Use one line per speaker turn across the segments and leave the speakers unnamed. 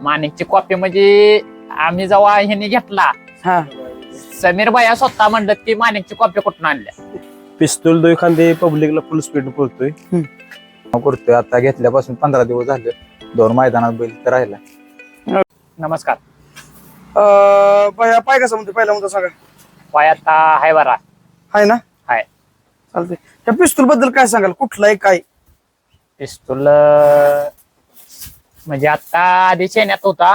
माणिकची copy म्हणजे आम्ही जेव्हा ह्यांनी घेतला
हा
समीर भैया स्वतः म्हणलं की माणिकची कॉपी कुठून आणल्या.
पिस्तूल दो एखादी पब्लिकला फुल स्पीड पळतोय करतोय. आता घेतल्यापासून 15 दिवस झाले. 2 मैदानात बैल तर राहिला.
नमस्कार.
पाय कसा म्हणतो पहिला म्हणतो सांगा.
पाय आता हाय बरा
हाय ना.
हाय.
चालतंय. त्या पिस्तूल बद्दल काय सांगाल, कुठला आहे काय?
पिस्तूल म्हणजे आता आधी चेन्यात होता.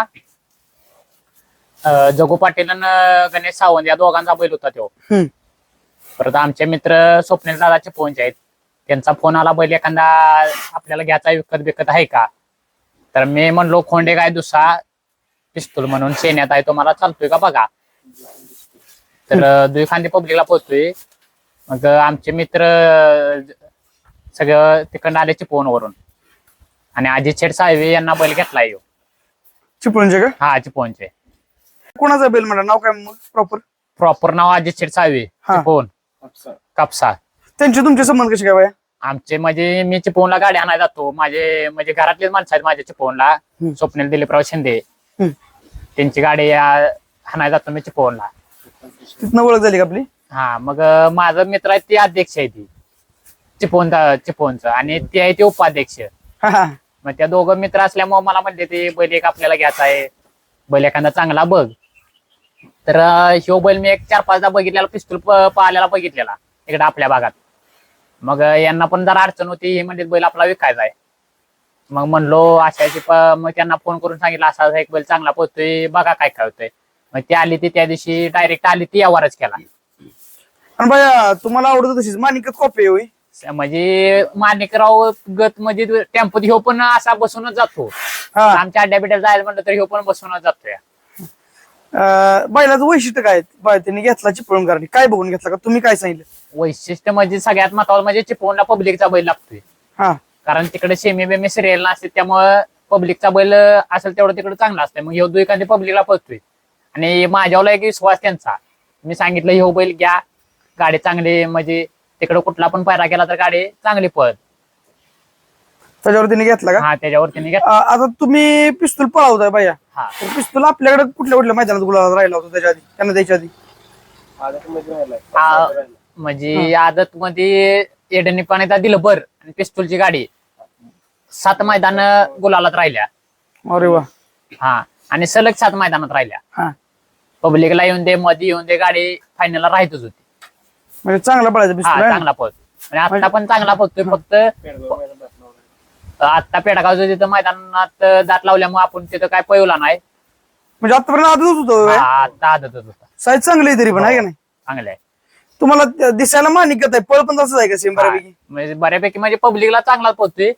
जगू पाटील आणि गणेश सावंत या दोघांचा बैल होता तो. परत आमचे मित्र स्वप्नील दादाचे फोनचे आहेत. त्यांचा फोन आला बैल एखादा आपल्याला घ्यायचा विकत आहे का. तर मी म्हणलो खोंडे काय दुसरा पिस्तूल म्हणून चेन्यात आहे, तो मला चालतोय का बघा. तर दुखांदी पब्लिकला पोहोचतोय. मग आमचे मित्र सगळं तिकडनं आले चिपळूणवरून आणि अजित शेठ साहेब यांना बैल घेतलाय.
चिपळूणचे का?
हा चिपळूणचे.
कोणाचा बैल म्हणा, नाव काय मग प्रॉपर?
प्रॉपर नाव अजित शेठ साहेब चिपळूण कापसा.
त्यांचे तुमचे संबंध कसे काय बाया?
आमचे म्हणजे मी चिपळूणला गाडी आणायला जातो. माझे म्हणजे घरातलेच माणसं आहेत माझ्या चिपळूणला. स्वप्नील दिलीपराव शिंदे त्यांची गाडी आणायला जातो मी चिपळूणला.
तिथनं ओळख झाली का आपली?
हा मग माझा मित्र आहे ते अध्यक्ष आहे ती चिपळूणचं आणि ते आहे ते उपाध्यक्ष. मग त्या दोघं मित्र असल्यामुळे मला म्हणले ते बैल एक आपल्याला घ्यायचा आहे, बैल एखादा चांगला बघ. तर ह्यो बैल मी एक 4-5दा बघितलेला, पिस्तूल पाहिलेला बघितलेला इकडे आपल्या भागात. मग यांना पण जरा अडचण होती, हे म्हणजे बैल आपला विकायचा आहे. मग म्हणलो अशाची मग त्यांना फोन करून सांगितलं असा एक बैल चांगला पोहतोय बघा काय काय होतंय. मग ती आली ती त्या दिवशी डायरेक्ट आली ती यावरच केला.
आणि बाया तुम्हाला आवडत तशीच मानिकच कॉपी होई
म्हणजे माणिकराव गत म्हणजे टेम्पोत ह्यो पण असा बसूनच जातो. आमच्या अड्ड्या बिड्या जायला म्हणलं तर ह्यो पण बसूनच जातोय.
बैलाचं वैशिष्ट्य काय? बाय त्यांनी घेतला चिपळूणकरांनी काय बघून घेतला का, तुम्ही काय सांगितलं?
वैशिष्ट्य म्हणजे सगळ्यात महत्वाचं म्हणजे चिपळूणला पब्लिकचा बैल लागतोय. कारण तिकडे सेमी बेमी सिरियल नसते, त्यामुळे पब्लिकचा बैल असेल तेवढं तिकडे चांगला असतंय. मग ह्यो एखादी पब्लिकला पळतोय आणि माझ्यावर एक विश्वास त्यांचा. मी सांगितलं ह्यो बैल घ्या, गाडी चांगली म्हणजे तिकडे कुठला पण पायरा केला तर गाडी चांगली पळत.
त्याच्यावर त्यांनी घेतला का?
हा त्याच्यावर त्यांनी घेतला.
आता तुम्ही पिस्तूल पळवताय बाया,
हा
पिस्तूल आपल्याकडे कुठल्या कुठल्या मैदानात गुलाबात राहिला होता त्याच्या आधी, त्यांना द्यायच्या आधी?
म्हणजे आदत मध्ये एडनी पाण्याचा दिलं बर आणि पिस्तूलची गाडी 7 मैदान गुलालात राहिल्या.
अरे वा.
हा आणि सलग 7 मैदानात राहिल्या. पब्लिकला येऊन दे मध्ये येऊन दे गाडी फायनलला राहतच होती.
म्हणजे चांगला पळायचा पिस्तूल.
चांगला पळतो आणि आता पण चांगला पळतोय. फक्त आता पेडगावचं तिथं मैदानात दात लावल्यामुळे आपण तिथं काय पळवला नाही.
म्हणजे आतापर्यंत आदतच होतो.
आता आदतच होता.
साईज चांगली आहे तरी पण आहे का नाही?
चांगलं आहे.
तुम्हाला दिसायला मानिकत आहे, पळ पण तसंच आहे का सेम बऱ्यापैकी?
म्हणजे बऱ्यापैकी म्हणजे पब्लिकला चांगला पोहोचतोय.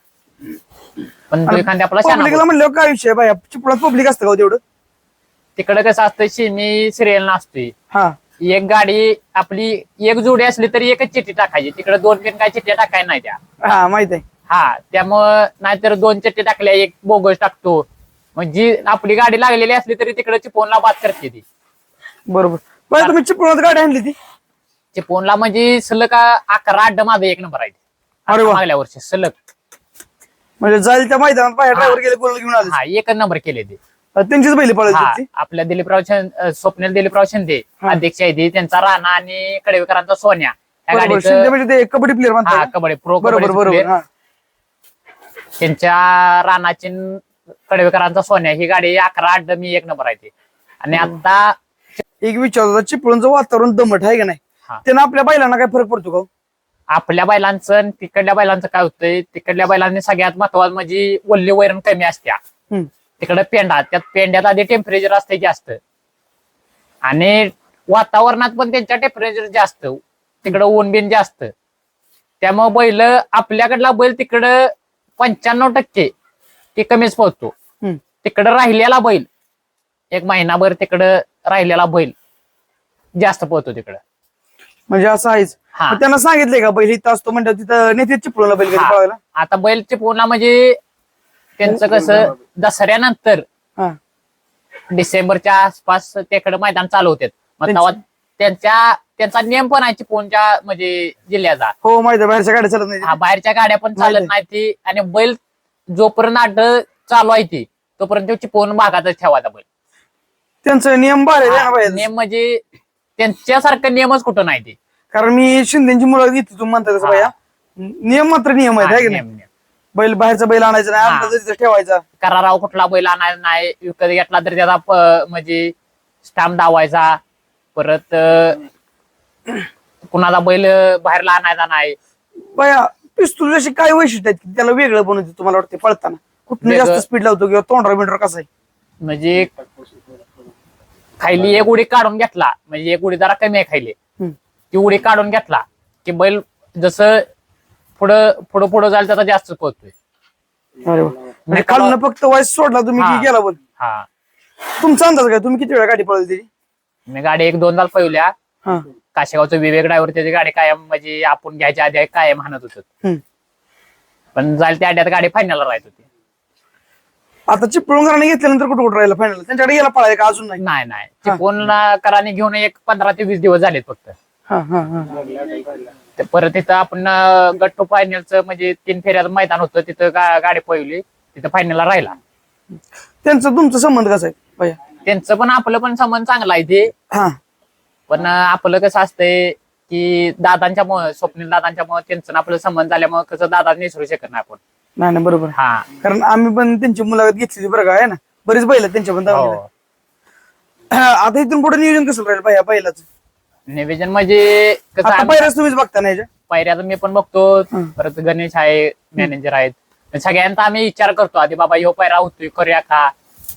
पण एखाद्या आपला
पब्लिकला म्हणल्यावर काय विषय बाया, चिपळात पब्लिक असतं का तेवढं?
तिकडे कसं असतं सेमी सिरियल नसते. एक गाडी आपली एक जोडी असली तरी एकच चिठ्ठी टाकायची. तिकडे 2-3 काय चिठ्ठ्या टाकायला नाही त्या.
माहित आहे.
त्यामुळं नाहीतर 2 चिठ्ठी टाकल्या एक बोगस टाकतो. मग जी आपली गाडी लागलेली असली तरी तिकडे चिपळूणला बाद करते ती.
बरोबर. पण तुम्ही चिपळूणात गाडी आणली ती?
चिपळूणला म्हणजे सलग 11 अड्डा माझा 1 नंबर आहे.
अरे वा.
मागल्या वर्षी सलग
म्हणजे जाईल त्या मैदानात बाहेर ड्रायव्हर गेले गोल घेऊन आले.
1 नंबर केले ते.
त्यांचीच बैल पळायची.
आपल्या स्वप्नील दिलीपराव शिंदे अध्यक्ष आहे ते. त्यांचा राणा आणि कडेविकरांचा सोन्या
म्हणजे ते कबड्डी प्लेअर म्हणतात.
कबड्डी प्रो.
बरोबर.
त्यांच्या राणाची कडेविकरांचा सोन्या ही गाडी 11 अड्डा मी 1 नंबर आहे ते. आणि आता
एक विचारतो, चिपळूणचं वातावरण दमट आहे का नाही, त्यानं आपल्या बैलांना काय फरक पडतो का?
आपल्या बैलांचं आणि तिकडल्या बैलांचं काय होतंय, तिकडल्या बैलांनी सगळ्यात महत्वाचं म्हणजे वल्ली वैरण कमी असत्या. तिकडे पेंडा, त्यात पेंड्यात आधी टेम्परेचर असते जास्त आणि वातावरणात पण त्यांच्या टेम्परेचर जास्त, तिकडं ऊन बिन जास्त. त्यामुळे बैल आपल्याकडला बैल तिकडं 95% ते कमीच पोहोचतो. तिकडं राहिलेला बैल 1 महिनाभर तिकडं राहिलेला बैल जास्त पोहतो तिकडं.
म्हणजे असं आहेच. त्यांना सांगितलंय का बैल इथं असतो म्हणजे तिथं नेते चिपळूणला बैल कधी पळवायला?
आता बैल चिपळूणला म्हणजे त्यांचं कसं दसऱ्यानंतर डिसेंबरच्या आसपास तिकडे मैदान चालू होते. मग तेव्हा त्यांचा नियम पण आहे चिपळूणच्या म्हणजे जिल्ह्याचा.
हो माहिती आहे. बाहेरच्या गाड्या चालत नाही.
बाहेरच्या गाड्या पण चालत नाही ती. आणि बैल जोपर्यंत अड्ड चालू आहे ती तोपर्यंत तो चिपवून भागातच ठेवायचा बैल.
त्यांचं नियम भारी आहे ना बाया.
नियम म्हणजे त्यांच्यासारखं नियमच कुठं नाही ते.
कारण मी शिंदेची मुलं घेतली तुम्ही म्हणता तसं बाया, नियम मात्र नियम आहेत, है की नाही?
नियम.
बैल बाहेरचा बैल आणायचा नाही, आपला तिथं ठेवायचा.
कराराव कुठला बैल आणायचा नाही, विकत घेतला तर त्याचा म्हणजे स्टॅम्प दावायचा. परत कुणाला बैल बाहेरला आणायचा नाही.
बाया पिस्तूल अशी काय वैशिष्ट्य आहेत की त्याला वेगळं बनवते तुम्हाला वाटते पळताना? कुठं
वेगळं-
जास्त स्पीड लावतो किंवा तोंडरा बिंडरा कसं आहे?
म्हणजे खायली एक उडी काढून घेतला, म्हणजे एक उडी जरा कमी आहे खायली, ती उडी काढून घेतला की बैल जसं पुढं जायला त्याचा जास्त पोहोचतोय.
अरे वा. म्हणजे खालनं फक्त वाईस सोडला तुम्ही की गेला बोल.
हा,
तुमचा अंदाज काय? तुम्ही किती वेळा गाडी पळवली त्याची?
मी गाडी 1-2 तास पळवल्या.
हा.
काशेगावचं विवेक ड्रायव्हर त्याची गाडी कायम म्हणजे आपण घ्यायच्या आधी कायम हाणत होत, पण जायला त्या अड्यात गाडी फायनलला राहत होती.
आता चिपळूणकरांनी घेतल्यानंतर कुठं राहिला फायनल? त्यांच्याकडे गेला पळायला का अजून नाही?
नाही चिपळूण कराने घेऊन एक 15 ते 20 दिवस झालेत फक्त.
हा हा हा.
ते परत तिथं आपण गट्टू फायनलचं म्हणजे 3 फेऱ्याचं मैदान होतं, तिथं गाडी पळवली, तिथं फायनलला राहिला.
त्यांचा तुमचा संबंध कसा आहे भैया?
त्यांचं पण आपलं पण संबंध चांगला आहे ते.
हा.
पण आपलं कसं असतंय की दादांच्यामुळे, स्वप्नील दादांच्यामुळे त्यांचं आणि आपलं संबंध झाल्यामुळे कसं दादा निसरू शकत नाही आपण.
नाही बरोबर.
हा,
कारण आम्ही पण त्यांची मुलाखत घेतली बरं का, आहे ना, बरीच बैल आहेत त्यांच्या पण दावणीला.
हो.
आता इथून पुढे नियोजन कसं राहील भैया बैलाचं?
निवेदन म्हणजे कसं
आता पहिल्याच तुम्हीच बघता नाही
पायऱ्याचं मी पण बघतो, परत गणेश आहे, मॅनेजर आहेत, सगळ्यांचा आम्ही विचार करतो आधी, बाबा ह्यो पायरा होतोय करूया का.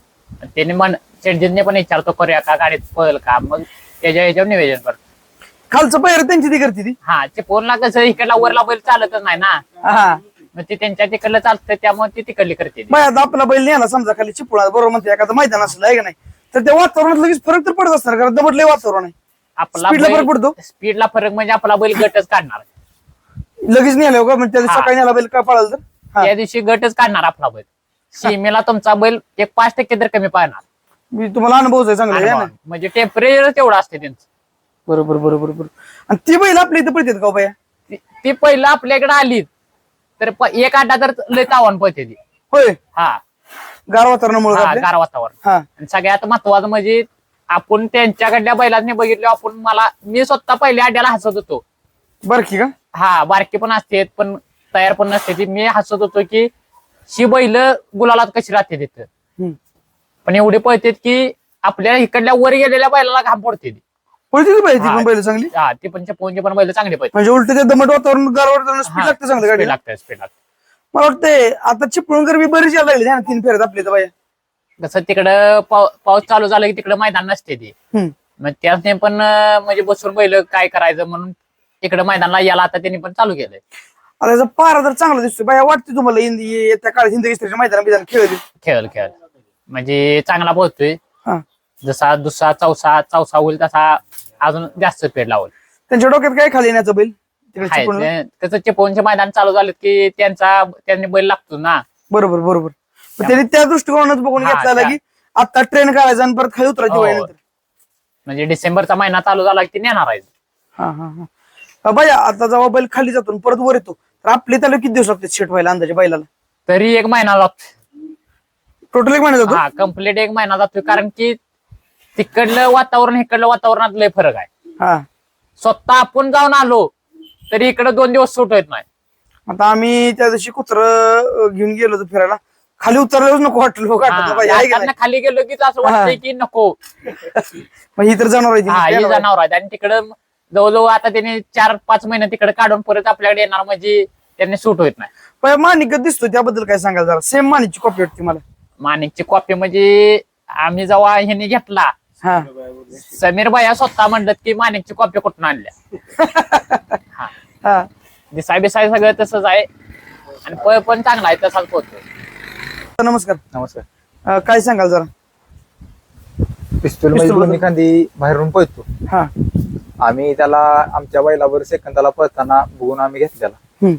त्याने शेटजींनी पण विचारतो करूया का, गाडीत पळेल का, मग ह्याच्यावर निवेदन करतो.
खालचं पहिलं त्यांची ती करते ती.
हा, चिपळूणला कसं इकडला वरला बैल चालतच नाही ना,
हा.
मग ते त्यांच्या तिकडलं चालतं, त्यामुळे ती तिकडली करते.
बाय आता आपला बैल न्याला समजा खाली चिपळा बरोबर म्हणते एखादं मैदान असलं आहे का नाही, तर त्या वातावरणात लगेच फरक तर पडत असणार, कारण दमटलंय वातावरण आहे.
आपला
स्पीडला फरक पडतो.
स्पीडला फरक म्हणजे आपला बैल गटच काढणार.
लगेच नेलं का म्हणजे सकाळी न्याला बैल का पळाल तर
त्या दिवशी गटच काढणार आपला बैल. सीमेला तुमचा बैल एक 5% तर कमी पाहणार.
मी तुम्हाला अनुभव आहे चांगला आहे ना.
म्हणजे टेम्परेचर तेवढं असते त्यांचं.
बरोबर बरोबर बरोबर. आणि ती बैल आपल्या इथं पळतात का बाया?
ती पहिलं आपल्याकडे आली तर एक आड्डा तर लय तावण पळते ती.
होय.
हा,
गार वातावरणामुळे
हा, गार वातावरण.
हा.
आणि सगळ्यात महत्वाचं म्हणजे आपण त्यांच्याकडल्या बैलांनी बघितलं, आपण मी स्वतः पहिल्या अड्ड्याला हसत होतो.
बारकी का?
हा, बारकी पण असते पण तयार पण नसते ती. मी हसत होतो की शी बैल गुलालात कशी राहते तिथं, पण एवढे पळतात की आपल्या इकडल्या वर गेलेल्या बैलाला घाम पडते ती.
पळते ती पाहिजे पण बैल चांगली.
हा, ती पण चिपळूणची पण बैल चांगली पळते.
म्हणजे उलट ते दमट वातावरण गार वातावरण स्पीड लागते चांगलं गाडी.
स्पीड लागते.
मला वाटतंय आता चिपळूणकर बी बरीच यायला लागली ना 3 फेऱ्यात आपल्या इथं बाया.
कसं तिकडं पाऊस चालू झाला की तिकडं मैदान नसते ती. मग त्याने पण म्हणजे बसून बैल काय करायचं म्हणून इकडं मैदानाला याला आता त्यांनी पण चालू केलंय.
आता याचा पारा तर चांगला दिसतोय बाया. वाटते तुम्हाला येत्या काळात हिंद केसरीच्या मैदान बिदान
खेळ म्हणजे चांगला पोहोचतोय.
हा.
जसा दुसरा चौसा होईल तसा अजून जास्त स्पीड लावल.
त्यांच्या डोक्यात काय खाली येण्याचं बैल तिकडे चिपळूणला?
त्याचं चिपळूणचे मैदान चालू झालं की त्यांनी बैल लागतो ना.
बरोबर बरोबर. पण त्यांनी त्या दृष्टिकोनात बघून
हा,
घेतला की आता ट्रेन करायचा आणि परत खाली उतरायची
हो.
वेळ नंतर.
म्हणजे डिसेंबरचा महिना चालू झाला की ते नेणार आहे.
हा हा हा. बाया आता जेव्हा बैल खाली जातो आणि परत वर येतो तर आपले त्याला किती दिवस लागतात सेट व्हायला अंदाजे बैलाला?
तरी 1 महिना लागतो.
टोटल 1 महिना जातो?
हा, कम्प्लीट 1 महिना जातोय, कारण की तिकडलं वातावरण इकडलं वातावरणात लय फरक आहे.
हा.
स्वतः आपण जाऊन आलो तरी इकडे 2 दिवस सूट येत नाही.
आता आम्ही त्या दिवशी कुत्र घेऊन गेलो होतो फिरायला, खाली उतरल्यावर नको वाटलं
त्यांना खाली गेलो की असं वाटतंय की नको.
ही तर जनावर
हा,
आहे
हे जनावर आहेत. आणि तिकडं जवळजवळ आता त्यांनी 4-5 महिने तिकडे काढून परत आपल्याकडे येणार, म्हणजे त्यांनी सूट होत नाही.
पण माणिक दिसतो त्याबद्दल काय सांगाल जरा? सेम माणिकची कॉपी वाटते मला.
माणिकची कॉपी म्हणजे आम्ही जेव्हा ह्यांनी घेतला,
हा.
समीर भाई स्वतः म्हणलं की माणिकची कॉपी कुठून आणल्या.
हा.
दिसाय बिसाय सगळं तसंच आहे आणि पळ पण चांगला आहे, तसाच पोहोचतो.
नमस्कार.
नमस्कार.
काय सांगाल जरा?
पिस्तूल म्हणजे दोन्ही खांदी बाहेरून पळतो.
हा.
आम्ही त्याला आमच्या बैलावर सेकंदाला पळताना बघून आम्ही घेतलेला.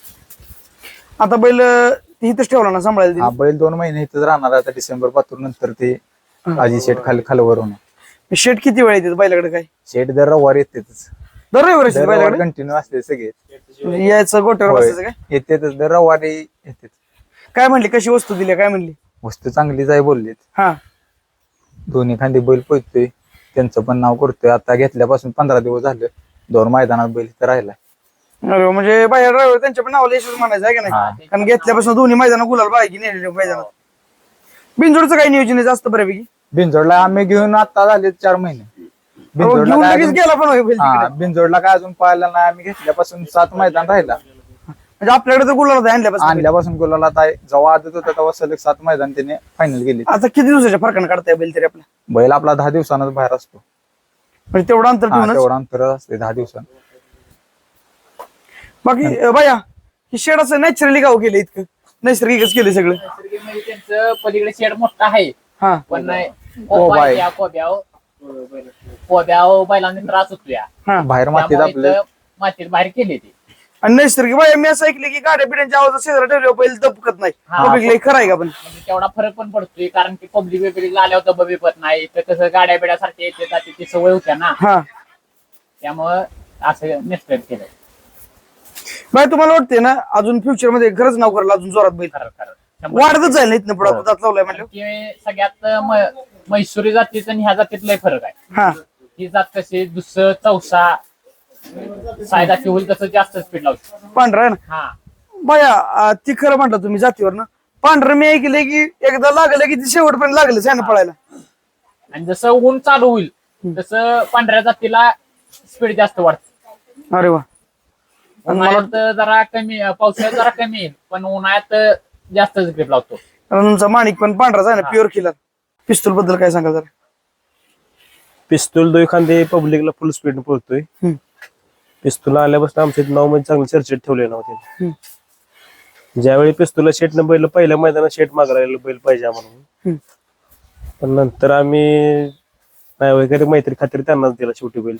आता बैल इथंच ठेवला ना सांभाळायला?
हा, बैल 2 महिने इथंच राहणार आता. डिसेंबर पासून नंतर ते आजी शेट खालवर होणार.
शेट किती वेळ येते बैलाकडे? काय
शेट दर रविवारी येतेच.
दर रविवारी बैलाकडे
कंटिन्यू असते सगळे
यायचं गोट्यावर बसायचं काय?
येतेच दर रविवारी येतेच.
काय म्हणली? कशी वस्तू दिली? काय म्हणली?
वस्तू चांगलीच आहे बोललीत.
हा
दोन्ही खांदी बैल पोहतोय, त्यांचं पण नाव करतोय. आता घेतल्यापासून 15 दिवस झाले, 2 मैदानात बैल तर राहिलाय.
अरे वा, म्हणजे बाहेर ड्रायव्हर त्यांच्या पण नावाला यशच म्हणायचं आहे का नाही? कारण घेतल्यापासून दोन्ही मैदान गुलाल बाकी नेलेले मैदानात. बिनजोडचं काही नियोजन आहे जास्त बऱ्यापैकी?
बिनजोडला आम्ही घेऊन आता झाले 4 महिने.
घेऊन लगेच गेला पण होय बैल तिकडे.
बिनजोडला काय अजून पाहायला नाही. आम्ही घेतल्यापासून 7 मैदान राहिला.
म्हणजे आपल्याकडे तर गुलाल आणल्यापासून.
आणल्यापासून गुलाला जेव्हा आदत होता तेव्हा सलग 7 मैदान त्याने फायनल गेली.
आता किती दिवसाच्या फरकाने काढताय बैल तरी आपल्या?
बैल आपला 10 दिवसांनाच बाहेर असतो.
म्हणजे तेवढं अंतर ठेवूनच?
तेवढा अंतर असते 10 दिवसांत.
बाकी बाया ही शेड असं नॅचरली गाव केलं इतकं? नैसर्गिकच केलं सगळं?
म्हणजे त्यांचं पलीकडे शेड मोठा आहे,
हा
पण
कोबा आहे.
कोब्याव बैलांनी त्रास होतो या,
हा.
बाहेर मातीत
त्यामुळे
आपलं
इथं मातीत बाहेर केले ते.
आणि नैसर्गिक बाया मी असं ऐकलं की गाड्या पिढ्यांच्या आवाज शेजारा ठेवल्यावर बैल दबकत नाही.
हा.
पब्लिकला खरं आहे का पण?
म्हणजे तेवढा फरक पण पडतोय, कारण की पब्लिक वेगळी आल्यावर दबा बिपत नाही, तर कसं गाड्या बिड्यासारखे येते जाते ती सवय होत्या ना,
हा
त्यामुळं असं निश्चित केलं.
बाय तुम्हाला वाटते ना अजून फ्युचर मध्ये खरंच नाव करेल अजून जोरात बैल?
खरं खरं शंभर
वाढतच जाईल ना इथनं पुढे दात लावलाय म्हणलं.
की सगळ्यात म्हैसूरी जातीचं आणि ह्या जातीत लय फरक आहे.
हा
ही जात कशी दुसरं चौसा सायदाची होईल तसं जास्त स्पीड लावतो.
पांढरा आहे ना
हा
बाया? ती खरं म्हणता तुम्ही जातीवर ना. पांढरं मी ऐकलंय की एकदा लागलं की ती शेवटपर्यंत लागलंच आहे ना पळायला.
आणि जसं ऊन चालू होईल तसं पांढऱ्या जातीला स्पीड जास्त वाढते.
अरे वा. आणि मला
उन्हाळ्यात जरा कमी, पावसाळ्यात जरा कमी येईल, पण उन्हाळ्यात जास्त ग्रीप लावतो.
तुमचा माणिक पण पांढराच आहे ना, प्युअर किलर. पिस्तूल बद्दल काय सांगा जरा?
पिस्तूल दोन खांदे पब्लिकला फुल स्पीड पळतोय. पिस्तूल आल्यापासून आमच्या नाव म्हणजे चांगलं चर्चेत ठेवले नव्हते. ज्यावेळी पिस्तूलला शेटनं बैल पहिल्या मैदानात शेट मागायला बैल पाहिजे आम्हाला, पण नंतर आम्ही नाही वगैरे मैत्री खात्री त्यांनाच दिला शेवटी बैल.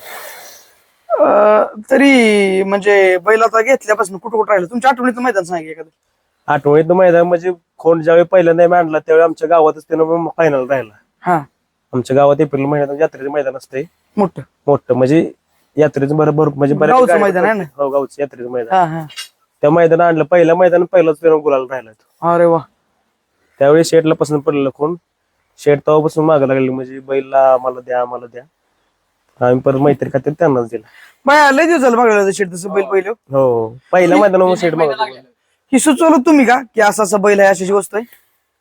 तरी म्हणजे बैल आता घेतल्यापासून कुठं कुठं राहिलं तुमच्या आठवणीचं मैदान सांगा एखादं?
आठवणीत मैदान म्हणजे खोंड ज्यावेळी पहिल्यांदा आम्ही आणला त्यावेळी आमच्या गावातच त्यानं फायनल राहिला.
हा
आमच्या गावात एप्रिल महिन्यात यात्रेचं मैदान असते
मोठं
मोठं, म्हणजे यात्रेचं बरोबर म्हणजे
गावचं मैदान आहे ना?
हो गावचं यात्रेचं मैदान.
हा हा
त्या मैदान आणलं पहिल्या मैदान पहिलाच त्यानं गुलाल राहिला.
अरे वा.
त्यावेळी शेटला पसंत पडलेलं कोण शेट तेव्हापासून मागं लागली, म्हणजे बैलला आम्हाला द्या आम्हाला द्या. आम्ही परत मैत्री खात्री त्यांनाच दिला.
बाया लय दिवस झालं बघायला शेट तसं बैल पहिलं.
हो पहिल्या मैदानावर शेट मागत
ही सुचवलं तुम्ही का की असं असं बैल आहे अशी गोष्ट आहे?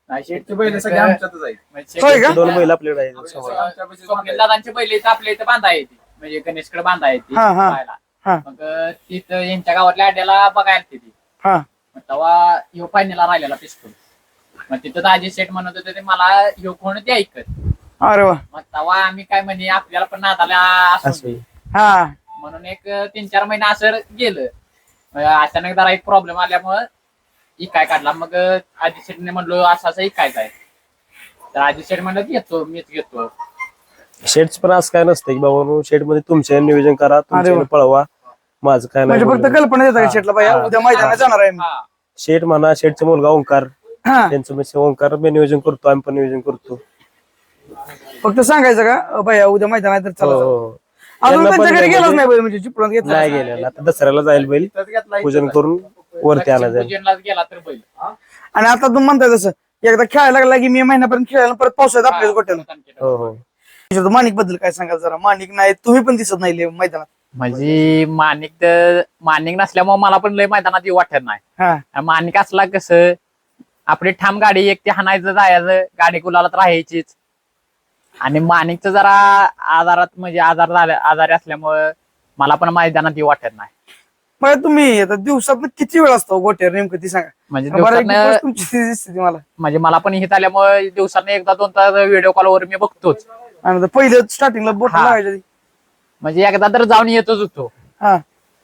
होय का?
2 बैल आपल्याकडे आहेत.
स्वप्नील दादांची बैल इथं आपल्या इथं बांधा येते, म्हणजे गणेशकडे बांधा येते
हा, हा.
पाहायला.
हा
मग तिथं यांच्या गावातल्या अड्ड्याला बघायला तिथे
हा
मग तेव्हा ह्यो फायनलला राहिलेला पिस्तूल. मग तिथं दाजी शेठ म्हणत होते ते मला ह्यो कोण ते ऐकत.
अरे वा.
मग तेव्हा आम्ही काय म्हणजे आपल्याला पण नादाला
असं
असू
हा
म्हणून एक 3-4 महिने असं गेलं. मग अचानक जरा एक प्रॉब्लेम आल्यामुळं इकाय काढला. मग आजी शेठने म्हणलो असं असं इकायचं आहे, तर आजी शेठ म्हणलं घेतो मीच घेतो.
शेट्स पण असं काय नसतं की बाबा शेट मध्ये तुमचे नियोजन करा, तुमचे पळवा, माझं काय नाही.
म्हणजे फक्त कल्पना देता का शेटला बाया उद्या मैदानात जाणार आहे मी?
हा
शेट म्हणा शेटचा मुलगा ओंकार,
हा
त्यांचं म्हणजे ओंकार मी नियोजन करतो, आम्ही पण नियोजन करतो.
फक्त सांगायचं का बाया उद्या मैदानात तर चला चला.
हो.
अजून
त्यांना पण
त्यांच्या घरी गेलाच
म्हणजे-
नाही बैल म्हणजे चिपळून घेतला
नाही गेलेला, आता दसऱ्याला जाईल बैल पूजन करून वरती आणा जाईल.
पूजनलाच गेला तर बैल
आणि आता तुम्ही म्हणताय तसं एकदा खेळायला लागला की मे महिन्यापर्यंत खेळायला परत पावसाळ्यात आपल्याला गोट्याला.
हो हो.
माणिक बद्दल काय सांगाल जरा? माणिक नाही तुम्ही पण दिसत नाही लय मैदानात.
म्हणजे मानिक नसल्यामुळे मला पण लय मैदानात येऊ वाटत नाही.
हा
मानिक असला कसं आपली ठाम गाडी एक ते हाणायचं जायचं, गाडी गुलालात राहायचीच. आणि मानिकचं जरा आजारात म्हणजे आजारी असल्यामुळं मला पण मैदानात येऊ वाटत नाही.
मग तुम्ही आता दिवसात किती वेळ असतो गोट्यावर नेमकं ती सांगा?
म्हणजे
बऱ्यापैकी
दिवसातनं
तुमची स्थिती दिसते ती मला.
म्हणजे मला पण हित आल्यामुळे दिवसानं 1-2 तास व्हिडिओ कॉलवर मी बघतोच.
आणि आता पहिलं स्टार्टिंगला बोट
हा.
लावायच्या
म्हणजे एकदा तर जाऊन येतोच होतो.
हा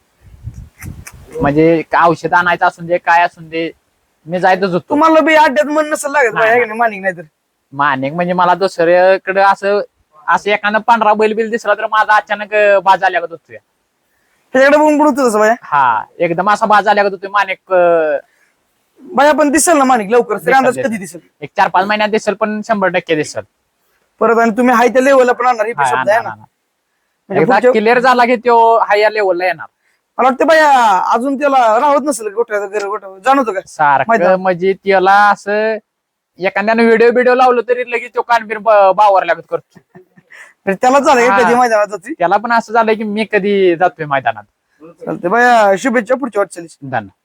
म्हणजे औषध आणायचं असून दे काय असून दे मी जायतच होतो.
तुम्हाला बी अड्ड्यात मन नसेल लागत बाई, आहे का नाही? माणिक नाही तर
मानिक म्हणजे मला दुसऱ्याकडे असं एखादं पांढरा बैल दिसला तर माझा अचानक बाज आल्यागत होतो.
त्याच्याकडे बघून बुडतो तसं बाया.
हा एकदम असा बाज आल्यागत होतो मानिक.
बाया पण दिसेल ना माणिक लवकर तरी अंदाज
दिसेल.
कधी दिसेल?
एक 4-5 महिन्यात दिसेल, पण 100% दिसेल.
परत आणि तुम्ही हाय त्या लेवलला पण आणणार ही पण शब्द आहे ना. म्हणजे पुढच्या-
क्लिअर झाला की तो हायर लेवलला येणार.
मला वाटतं बाया अजून त्याला राहत नसेल गोठ्याचं घर गोठ्या जाणवतो का?
सारखं
मैदान.
म्हणजे त्याला असं एखाद्यानं व्हिडिओ लावलं तरी लगेच तो कानबीर बावर लागत करतो.
तर त्याला चालेल का
हा.
कधी मैदानात जाते
त्याला पण असं झालंय की मी कधी जातोय मैदानात.
चालते बाया, शुभेच्छा पुढच्या वाटचालीस.
धन्यवाद.